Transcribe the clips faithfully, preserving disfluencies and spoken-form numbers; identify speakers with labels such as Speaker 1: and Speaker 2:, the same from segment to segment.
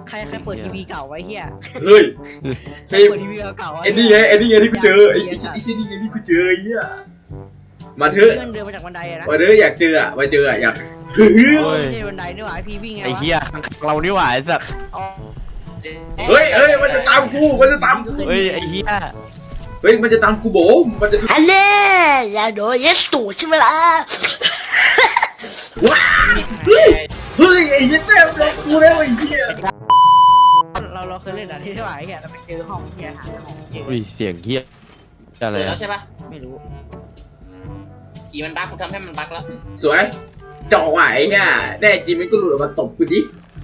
Speaker 1: ใครใครเปิดทีวีเก่าไว้เฮีย
Speaker 2: เฮ้ยใช่
Speaker 1: เปิดทีวีเก่าไว้
Speaker 2: ไอ้นี่ไงไอ้นี่ไงที่กูเจอไอ้ไอ้ไอ้ชิ้นนี่ไงที่กูเจอไอ้เหี้ยมาเถอะ
Speaker 1: เพื่อนเดินมาจากบันไดอะนะ
Speaker 2: มาเถอะอยากเจออ่ะมาเจออ่ะอยาก
Speaker 1: โอ้ยบันไดนี่หว่าไอพีวิ่งไงวะ
Speaker 3: ไอ้เหี้ยเรานี่หว่าไอ้สัส
Speaker 2: เฮ้ยเฮ้ยมันจะตามกูมันจะตามกู
Speaker 3: เฮ้ยไอ้เหี้ย
Speaker 2: เฮ้ยมันจะตามกูโบมันจะ
Speaker 4: ฮัลโหลอย่าโดนยัดตูดใช่ไหมล่ะ
Speaker 2: ว้าเฮ้ยเฮ้ยไอ้ยัดแม่โดนกูแล้วไอ้เหี้ย
Speaker 1: เราเราเคยเล่นอะที่ไหนเฮียเราไปเจอห้องเฮียหาห้องเจอ
Speaker 3: อุ้ยเสียงเหี้ยอะไร
Speaker 5: เจอแล้
Speaker 3: อะ
Speaker 5: วใช่ปะ
Speaker 1: ไม่รู้
Speaker 5: กี่มันบั๊กกูทำให้มันบั๊กแล้ว
Speaker 2: สวยจ่อว่ะไอ้เหี้ยแน่จริงมันก็หลุดออกมาตบกูดิ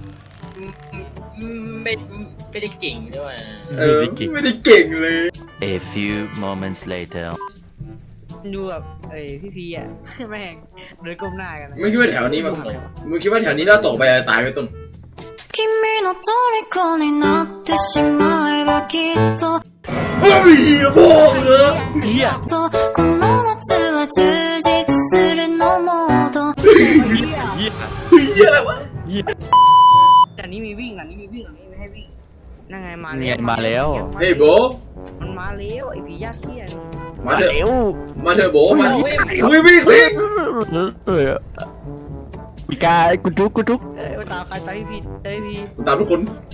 Speaker 5: ไม่ไม่ได้เก่งด้วย
Speaker 2: เออไม่ได้เก่งเลย
Speaker 6: A few moments later
Speaker 1: ดูแบบเอ้ยพี่พีอะแม่งเดินก้มหน้ากัน
Speaker 2: มึงคิดว่าแถวนี้มันมึงคิดว่าแถวนี้เราตกไปตายไปต้น
Speaker 4: 君の虜になってしまえばきっと
Speaker 2: เฮ้ยโบ้เหรอ
Speaker 3: เหี้ย
Speaker 4: とこの夏は充実するのモード
Speaker 3: เหี้ย
Speaker 2: เฮ้ยอะไรวะ
Speaker 3: เหี้ย
Speaker 1: แต่นี้มีวิ่งอันนี้มีวิ่งอันนี้ไม่ให้วิ่งนั่งไงมา
Speaker 3: เนี่ยมาแล้ว
Speaker 2: เฮ้ยโบ
Speaker 1: มันมาแล้วไอผียากเขี้ย
Speaker 2: มาเถอะ
Speaker 3: เร็ว
Speaker 2: มาเถอะโบมาวิ่งวิ่งวิ่ง
Speaker 3: เออปีกากูจุกกูจุก
Speaker 1: เอ้ยมาตามใครตามพี่พีเอ้ยพี่
Speaker 2: ตามทุกคน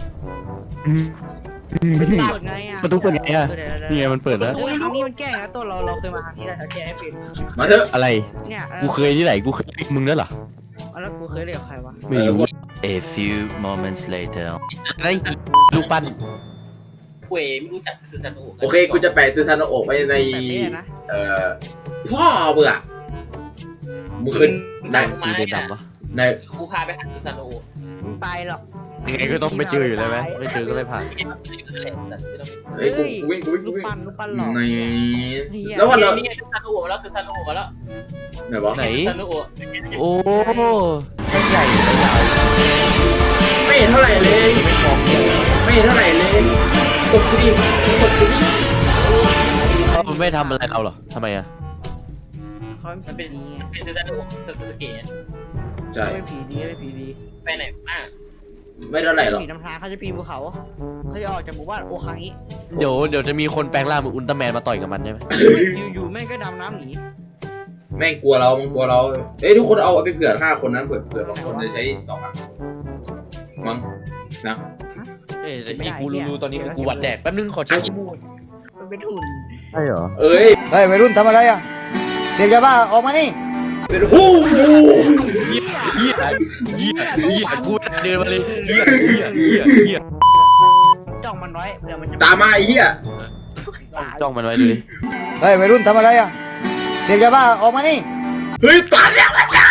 Speaker 1: เปิดไงอ่ะ
Speaker 3: ประตูเปิดไงอะนี่ไงมันเปิดแล้ว
Speaker 1: โอ้ยทางนี้มันแก้นะตัวเราเราเคยมาทางนี้แล้วแก้ให้เป็น
Speaker 2: มาเถอะ
Speaker 3: อะไร
Speaker 1: เนี่ย
Speaker 3: กูเคยที่ไหนกูเคยมึงนั่นเหรอ
Speaker 1: แล้วกูเคยเรียกใครวะ
Speaker 3: ไม่รู้
Speaker 6: A few moments later
Speaker 3: ได้ลูกปั้น
Speaker 5: เว้ยไม่รู้จักสื่อสารโอ้
Speaker 2: โอเคกูจะแปะซื้อซานโอะไว้ใน
Speaker 1: แต่เนี่ยนะ
Speaker 2: เอ่อพ่อเบื่อมึงเคยใน
Speaker 5: มา
Speaker 3: มี
Speaker 5: เนี่
Speaker 3: เดิน
Speaker 5: ย
Speaker 3: ดำปะ
Speaker 2: ใน
Speaker 5: กูพาไปหาสื่อสารโอ้
Speaker 1: มึงไปหรอก
Speaker 3: ยังไงก็ต้องไปเจออยู่แล้วไหมไม่เจอก็ไม่ผ่าน
Speaker 2: เฮ้ยกูกูวิ่งกูวิ่ง
Speaker 1: ลู
Speaker 2: กู
Speaker 1: ก
Speaker 2: วิ่ง
Speaker 1: ปั้นลูกปั้นหลอก
Speaker 2: ในแล้ววันเรา
Speaker 5: นี่ไงสื่อสารโอ้มาแล้วสื่อสารโอ้มาแล้ว
Speaker 2: ไหนวะ
Speaker 3: ไหน
Speaker 5: สื่อสารโอ้
Speaker 3: โอ้ไม่ใหญ่ไม่ใหญ่
Speaker 2: ไม่เห็นเท่าไหร่เลย
Speaker 3: ไม่มองเหี้ย
Speaker 2: ไม่เห็นเท่าไหร่เลยตบกูดิตบกูดิ
Speaker 3: มันไม่ทำอะไรเราหรอทำไมอะ
Speaker 1: เขา
Speaker 5: มัน
Speaker 1: เป็
Speaker 5: เป็น น
Speaker 1: ผี
Speaker 5: เป็นสื่อสารโอ้สื่อสารเกต
Speaker 2: ใช่
Speaker 1: ไม่ผีดีไม่ผีดี
Speaker 5: ไปไหนบ้าง
Speaker 2: ไม่เท่าไหร่หรอก
Speaker 1: ผีนำทางเขาจะปีนภูเขาเขาจะออกจากหมู่บ้านโอคังนี้
Speaker 3: เดี๋ยวเดี๋ยวจะมีคนแปลงร่างเป็นอุลตร้าแมนมาต่อยกับมันใช่ไหม
Speaker 1: อยู่ๆแม่งก็ดำน้ำหนี
Speaker 2: แม่งกลัวเรามันกลัวเราเอ้ยทุกคนเอาไปเผื่อห้าคนนั้นเผื่อเผื่อบางคนจะใช้สองอ่ะมั้งนะ
Speaker 3: เอ้ยไอ้กูรู้ๆตอนนี้คือกูหวัดแดกแป๊บนึงขอเช็คมูด
Speaker 1: มันเป็นหุ่น
Speaker 3: ใช่เหรอ
Speaker 2: เอ้ย
Speaker 7: เฮ้ยวัยรุ่นทำอะไรอ่ะเด็กยาบ้าออกมานี่
Speaker 2: เป็นหู้
Speaker 3: เหี้ยเหี้ยเหี้ยเหี้ยกูเดินมาเลยเหี้ยเหี้ยเหี้ยเหี้ย
Speaker 1: จ้องมันไว้เดี๋ยวมันจะ
Speaker 2: ตามมาไอ้เหี้ย
Speaker 3: จ้องมันไว้ดูดิ
Speaker 7: เฮ้ยวัยรุ่นทำอะไรอ่ะเด็กยาบ้าออกมานี่
Speaker 2: เฮ้ยตัดแล้วจ้า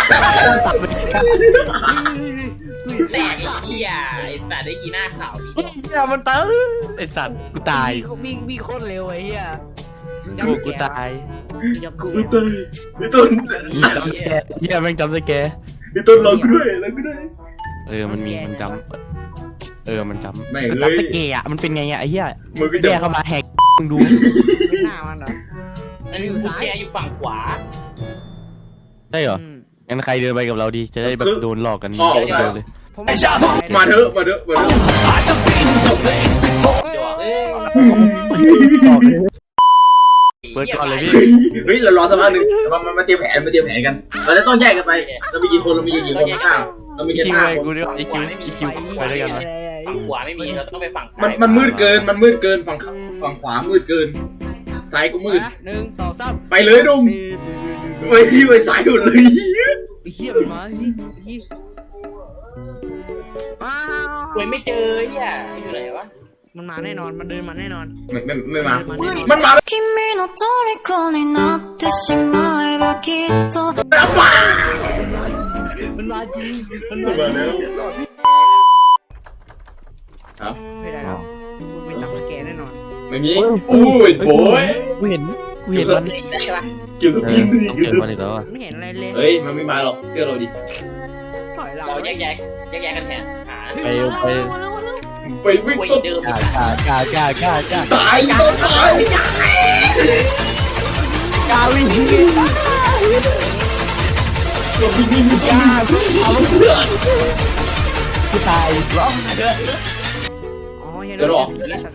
Speaker 5: แต่ไอ้เหี้ยไอ้สัตว์ได้ยีหน้าขาว
Speaker 3: เหี้ยมันตายไอสัตว์กูตาย
Speaker 1: วิ่งวิ่งโคตรเร็วไอ้เหี้ย
Speaker 3: กูกูตาย
Speaker 2: กูตายไอ้ต้น
Speaker 3: จำสแกร์เหี้ยแม่งจำสแกร์
Speaker 2: ไอ้ต้นรอกูด้วยรอกูด้วย
Speaker 3: เออมันมีมันจำเออมันจำ
Speaker 2: ไม่
Speaker 3: มัน
Speaker 2: เลย
Speaker 3: จำสแกร์อะมันเป็นไงอะไอ้เหี้ย
Speaker 2: มึงก็
Speaker 3: แย่
Speaker 2: จะ
Speaker 3: เข้ามาแหกมึงดู
Speaker 1: ไม่หน้ามันเหรอ
Speaker 5: อันนี้กูแกอยู่ฝั่งขวา
Speaker 3: ได้เหรองั้นใครเดินไปกับเราดีจะได้แบบโดนหลอกกันเดินเลย
Speaker 1: ผมไม่
Speaker 2: มาเถอะมาเถอะมาเถอะ
Speaker 5: เดี๋ยวเอ้ย
Speaker 3: เปิดก่อนเลยพี่
Speaker 2: เฮ้ยเรารอสักพักหนึ่งมามามาเตรียมแผนมาเตรียมแผนกันเราจะต้องแยกกันไปเรามีกี่คนเรามีกี่คนข้างเรามีแค่
Speaker 3: คิว
Speaker 2: ห้า
Speaker 3: ไป
Speaker 2: คน
Speaker 3: กูเรียกไอคิวไอคิวไปด้วยกันไหม
Speaker 5: ฝั่งขวาไม่มีเราต้องไปฝั่งซ้าย
Speaker 2: มันมันมืดเกินมันมืดเกินฝั่งฝั่งขวามืดเกินซ้ายก็มืด
Speaker 1: หนึ่งสองสาม
Speaker 2: ไปเลยดุมไปที่ไปซ้ายหมดเลย
Speaker 1: ไอ้เหี้ยมันมาเฮ้ยว้าว
Speaker 5: เว้ยไม่เจอเหี้ยอยู่ไหนวะ
Speaker 1: มันมาแน่นอนมันเดินมาแน่นอน
Speaker 2: ไม่ไม่ไม่มามันมา
Speaker 4: 君の虜になってしまえばきっと
Speaker 2: แล้วมา
Speaker 1: มันมาจริงมัน
Speaker 2: มา
Speaker 1: มา
Speaker 2: แล้วครับ
Speaker 1: ไม่ได้แล้วมึงเป็นจับสแกนแน่นอน
Speaker 2: ไม่มีอู้ยโบย
Speaker 3: กูเห็นกูเห็นมัน
Speaker 5: ได้ใช่ปะ
Speaker 2: เกี่ยวส
Speaker 3: เอ
Speaker 2: ปิ
Speaker 3: อน ต้อง
Speaker 2: เกี่ยว
Speaker 3: เห็น
Speaker 2: ส
Speaker 3: มัน
Speaker 2: ปิน
Speaker 3: อีกแล้วอ่ะ
Speaker 1: ไม่เห็นอะไรเลย
Speaker 2: เฮ้ยมันไม่มาหรอกเชื่อเราดิ
Speaker 1: ถอยหลัง
Speaker 5: เราแยกแยกแยกแยกกันแทนหา
Speaker 3: ไปไป
Speaker 2: ไปวิ่ง
Speaker 5: คุย
Speaker 2: ต้น
Speaker 5: เดิม
Speaker 3: กล้ากล้ากล้ากล้ากล้ากล้า
Speaker 2: ตายต้นตาย
Speaker 3: กล้าวิ่ง
Speaker 2: วิ่งวิ่งวิ่งวิ่ง
Speaker 3: กูตายร้อง
Speaker 1: อ๋อเฮีย
Speaker 2: เดี๋ยวหรอ
Speaker 1: ไอ้สัตว์เลย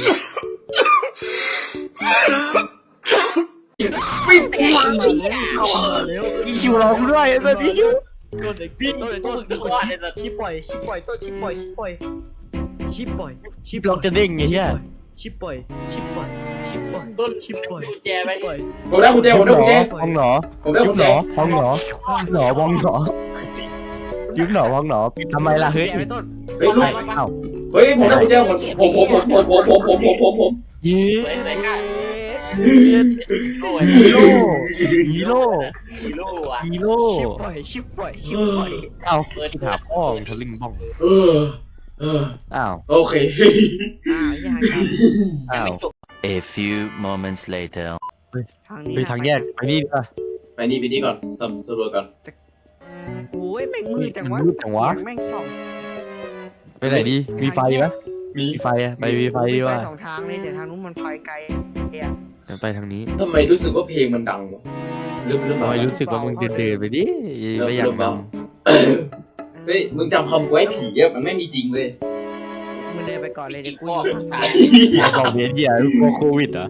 Speaker 2: ปิด
Speaker 1: เร็ว
Speaker 3: คิวรอกูด้วยไอ้สัสคิว
Speaker 5: ตัวไหนพี่ตัวไหนตัวมึงตัวว่าไอ้สัตว์
Speaker 1: ชิปปล่อยชิปปล่อยต้นชิปปล่อยชิปปล่อยชิปปล่อยชิป
Speaker 3: ล็อกจะเด้งไอ้เหี้ย
Speaker 1: ชิปปล่อยชิปปล่อยชิปปล่อย
Speaker 5: ต้น
Speaker 1: ชิปปล่อย
Speaker 5: กุญแจไป
Speaker 1: ปล่อย
Speaker 2: ผมได้กุญแจผมได้กุญแจ
Speaker 3: ห้องหนอ
Speaker 2: ผมได้
Speaker 3: ยุ
Speaker 2: กุ
Speaker 3: บ
Speaker 2: ญ
Speaker 3: หน
Speaker 2: แจ
Speaker 3: อห้องหนอหนอห้องหนอยุบหนอห้องหนอทำไมล่ะเฮ้ย
Speaker 1: แกะไว้ต้น
Speaker 2: เฮ้ยลูก
Speaker 3: เอ้า
Speaker 2: เฮ้ยผมได้กุญแจผมผมผมผมผมผมผมผมผมผมผม
Speaker 3: ยี
Speaker 5: สวยสวยกันโอ้ย
Speaker 3: ฮีโร่ฮีโร่
Speaker 5: ฮีโร่อะ
Speaker 3: ฮีโร่
Speaker 1: ชิปปล่อยชิปปล่อยชิปปล่อย
Speaker 3: เอ้าที่ถามพ่อมึงทะลึ่งบ้อง
Speaker 2: เออเออ
Speaker 3: อ้าว
Speaker 2: โอเค
Speaker 1: อ่ายังไง
Speaker 3: อ้าว
Speaker 6: A few moments later.
Speaker 1: ทางนี้
Speaker 3: ไปทางแยกไปนี่ดีกว่า
Speaker 2: ไปนี่ไปนี่ก่อนสำสำรวจก่อน
Speaker 1: โอ้ยแม่งมืดจังวะ
Speaker 3: มืดจังวะ
Speaker 1: แม่งส่อง
Speaker 3: ไปไหนดีมีไฟไหม
Speaker 2: มี
Speaker 3: มีไฟอะไปมีไฟดีกว่า
Speaker 1: ไปสองทางเลยแต่ทางนู้นมันไฟไกลเฮีย
Speaker 3: เดี๋ยวไปทางนี้
Speaker 2: ทำไมรู้สึกว่าเพลงมันดังวะเริ่มเริ่ม
Speaker 3: ทำ
Speaker 2: เบา
Speaker 3: ไมรู้สึกว่ามึงเดินๆไปดิไม่อยากน
Speaker 2: เฮ้ยมึงจำคำกูไว้ผีอะมันไม่มีจริงเลย
Speaker 1: มึงเดินไปก่อนเลยเดี๋ยวกู
Speaker 5: พ่อ
Speaker 1: อยู่
Speaker 5: ผู้ชาย
Speaker 3: ำบอกเบียดเหี้ยกลัวโควิดเหรอ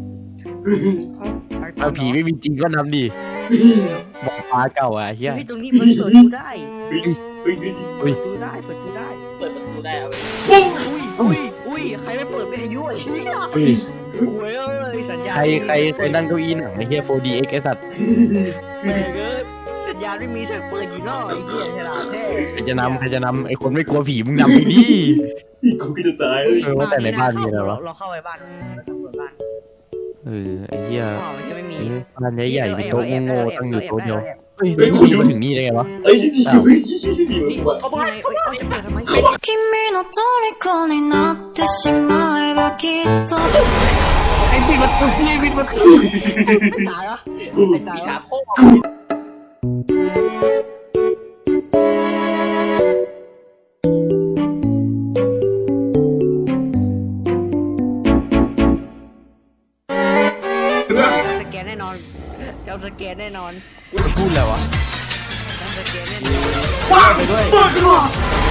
Speaker 3: เอาผีไม่มีจริงก็นำดิบอกฟ้าเก่าอะเฮีย
Speaker 1: เฮ้ยตรงนี้มันเปิดดูได้
Speaker 2: เฮ้ยเฮ้ย
Speaker 1: เปิดดูได้เปิดดูได้
Speaker 5: เปิดประตูได้เอาไป
Speaker 1: อุ้ยอุ้ยอุ้ยใครไม่เปิดเป็นอายุไอ้เชี่ย
Speaker 3: เฮ้ย
Speaker 1: โอ้ยเอ้ยสัญญาณ
Speaker 3: ใครใครใครนั่งเก้าอี้หนังไอ้เฮีย โฟร์ ดี เอ็กซ์ ไอ้สัตว์
Speaker 1: แม่งเอ้ยสัญญาณไม่มีเสียงเปิดอยู่นอกไอ้เหี้ยฉลาดแท้
Speaker 3: ใครจะนำใครจะนำไอ้คนไม่กลัวผีมึงนำไปดิ
Speaker 2: กูก็จะตายเลย
Speaker 3: เออว่าแต่ในบ้านมีอะไรวะ
Speaker 1: เราเข้าไปบ้านเราสำรวจบ้าน
Speaker 3: เออไอ้เหี้ย
Speaker 1: อ๋อมันจะไม่มี
Speaker 3: ไอ้บ้านใหญ่ๆเป็นโต๊ะโง่ๆตั้งอยู่โต๊ะเดียว
Speaker 1: แอบ
Speaker 3: เฮ้ยมึงมาถึงนี่ได้ไงวะ
Speaker 2: เอ้ยนี่เฮ้ยนี่มันกูอะ
Speaker 5: เขาบอกให้เขาบอกให้
Speaker 1: เปิดทำไม
Speaker 4: 君の虜になってしまえばきっと
Speaker 3: ไอ้ปิดประตูนี่ปิดประตู
Speaker 1: ไม่ตายเหรอ
Speaker 2: กู
Speaker 1: ไม่ตาย
Speaker 5: ผี
Speaker 1: เหร
Speaker 5: หา
Speaker 1: อ
Speaker 5: โค้ง
Speaker 1: สแกนแน่นอนจะเอาสแกนแน่นอน
Speaker 3: พูดอะไรวะ
Speaker 1: จะสแกนแน่นอน
Speaker 2: ว้าวไปด้วย